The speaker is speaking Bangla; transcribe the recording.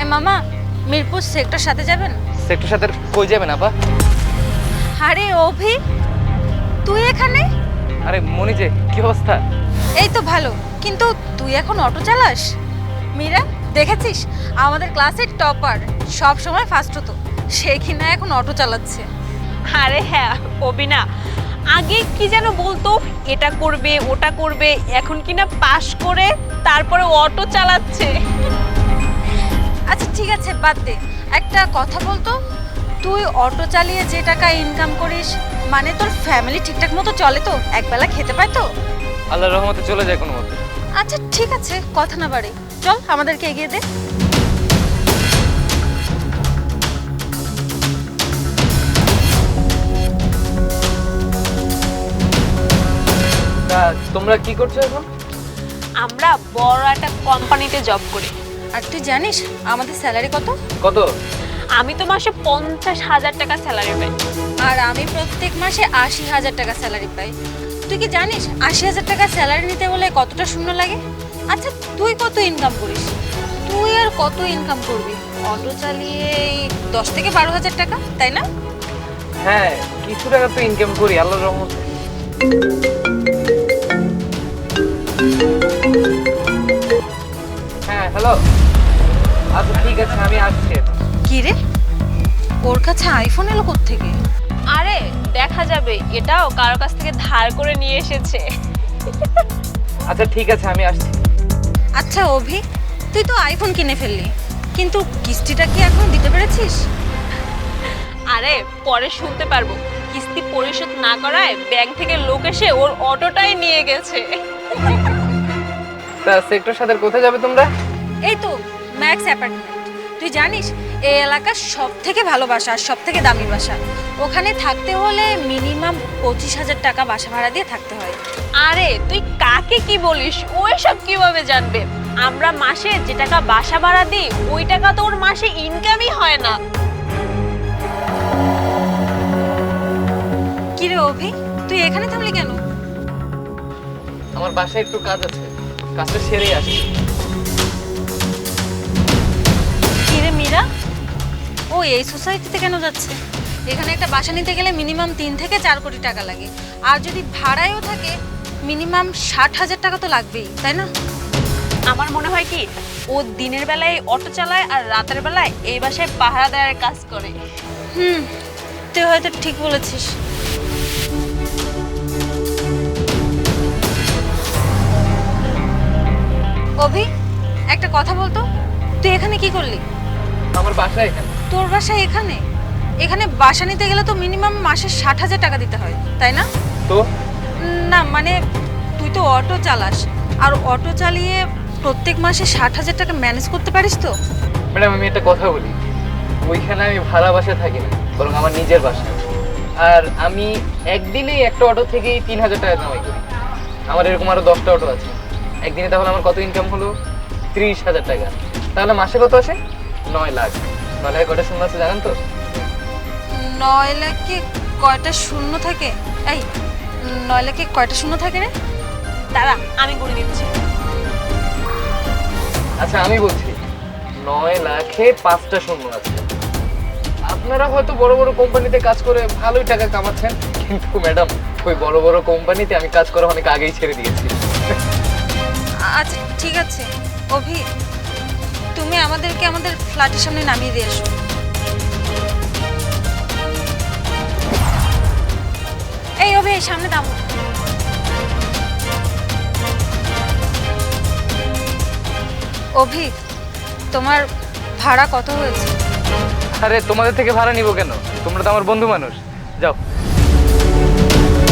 মামা, মিরপুর সেক্টর সাথে যাবেন? সেক্টর সাথে কই যাবেন আপা? আরে অভি, তুই এখানে? আরে মনি যে, কি অবস্থা? এই তো ভালো, কিন্তু তুই এখন অটো চালাস? মীরা, দেখেছিস আমাদের ক্লাসের টপার, সব সময় ফার্স্ট হতো, সে কিনা এখন অটো চালাচ্ছে। আরে হ্যাঁ, অবিনা আগে কি যেন বলতো, এটা করবে ওটা করবে, এখন কিনা পাশ করে তারপরে অটো চালাচ্ছে। আচ্ছা ঠিক আছে, বাদ দে। একটা কথা বলতো, তুই অটো চালিয়ে যে টাকা ইনকাম করিস, মানে তোর ফ্যামিলি ঠিকঠাক মতো চলে তো? একবেলা খেতে পায় তো? আল্লাহর রহমতে চলে যায় কোনো মতে। আচ্ছা ঠিক আছে, কথা না বাড়ি, চল আমাদেরকে এগিয়ে দে। তা তোমরা কি করছো এখন? আমরা বড় একটা কোম্পানিতে জব করি। আর তুই জানিস আমাদের স্যালারি কত? কত? আমি তো মাসে 50,000 টাকা স্যালারি পাই। আর আমি প্রত্যেক মাসে 80,000 টাকা স্যালারি পাই। তুই কি জানিস 80,000 টাকা স্যালারি নিতে বলে কতটা শূন্য লাগে? আচ্ছা তুই কত ইনকাম করিস? তুই আর কত ইনকাম করবি? অটো চালিয়ে এই 10 থেকে 12,000 টাকা, তাই না? হ্যাঁ, কিছু টাকা তো ইনকাম করি আল্লাহর রহমতে। হ্যাঁ হ্যালো, আচ্ছা ঠিক আছে আমি আসছি। কি রে, ওর কাছে আইফোন এলো কোত্থেকে? আরে দেখা যাবে, এটাও কারো কাছ থেকে ধার করে নিয়ে এসেছে। আচ্ছা ঠিক আছে আমি আসছি। আচ্ছা অভি, তুই তো আইফোন কিনে ফেললি, কিন্তু কিস্তিটা কি এখন দিতে পেরেছিস? আরে পরে শুনতে পারবো, কিস্তি পরিশোধ না করায় ব্যাংক থেকে লোক এসে ওর অটোটাই নিয়ে গেছে। তা সেক্টর সাথে কোথায় যাবে তোমরা? এই তো ম্যাক্স অ্যাপার্টমেন্ট। তুই জানিস এই এলাকার সব থেকে ভালো বাসা আর সব থেকে দামি বাসা। ওখানে থাকতে হলে মিনিমাম 25,000 টাকা বাসা ভাড়া দিয়ে থাকতে হয়। আরে তুই কাকে কি বলিস, ওই সব কিভাবে জানবে? আমরা মাসে যে টাকা বাসা ভাড়া দিই, ওই টাকা তো ওর মাসে ইনকামই হয় না। কি রে অভি, তুই এখানে থামলি কেন? আমার বাসায় একটু কাজ আছে, কাজটা সেরেই আসছি। কি রে মীরা, ও এই সোসাইটিতে কেন যাচ্ছে? এখানে একটা বাসা নিতে গেলে মিনিমাম 3 থেকে 4 কোটি টাকা লাগে, আর যদি ভাড়ায়ও থাকে মিনিমাম 60,000 টাকা তো লাগবেই, তাই না? আমার মনে হয় কি, ও দিনের বেলায় অটো চালায় আর রাতের বেলায় এই বাসায় পাহারা দেওয়ার কাজ করে। হুম, তুই হয়তো ঠিক বলেছিস। অভি, একটা কথা বলতো, তুই এখানে কি করলি? আমার বাসা এখানে। তোর বাসা এখানে? এখানে বাসা নিতে গেলে তো মিনিমাম মাসে 60,000 টাকা দিতে হয়, তাই না? তো না মানে, তুই তো অটো চালাস, আর অটো চালিয়ে প্রত্যেক মাসে 60,000 টাকা ম্যানেজ করতে পারিস তো? ম্যাডাম আমি একটা কথা বলি, ওইখানে আমি ভাড়া বাসায় থাকি না, বরং আমার নিজের বাসা। আর আমি একদিনেই একটা অটো থেকেই 3,000 টাকা কামাই করি। আমার এরকম আরো 10টা অটো আছে। একদিনে তাহলে আমার কত ইনকাম হলো? 30,000 টাকা। তাহলে মাসে কত আসে? 9 লাখ। 9 লাখে কটা শূন্য আছে জানেন তো? 9 লাখে কয়টা শূন্য থাকে? এই 9 লাখে কয়টা শূন্য থাকে রে? দাঁড়া, আমি করে দিচ্ছি। আচ্ছা আমি বলছি 9 লাখে 5টা শূন্য আছে। আপনারা হয়তো বড় বড় কোম্পানিতে কাজ করে ভালোই টাকা কামাচ্ছেন, কিন্তু ম্যাডাম ওই বড় বড় কোম্পানিতে আমি কাজ করা অনেক আগেই ছেড়ে দিয়েছি। আচ্ছা ঠিক আছে অভি, তুমি আমাদেরকে আমাদের ফ্ল্যাটের সামনে নামিয়ে দিয়ে আসো। এই অভি, এই সামনে দাম। অভি, তোমার ভাড়া কত হয়েছে? আরে তোমাদের থেকে ভাড়া নিব কেন? তোমরা তো আমার বন্ধু মানুষ। যাও।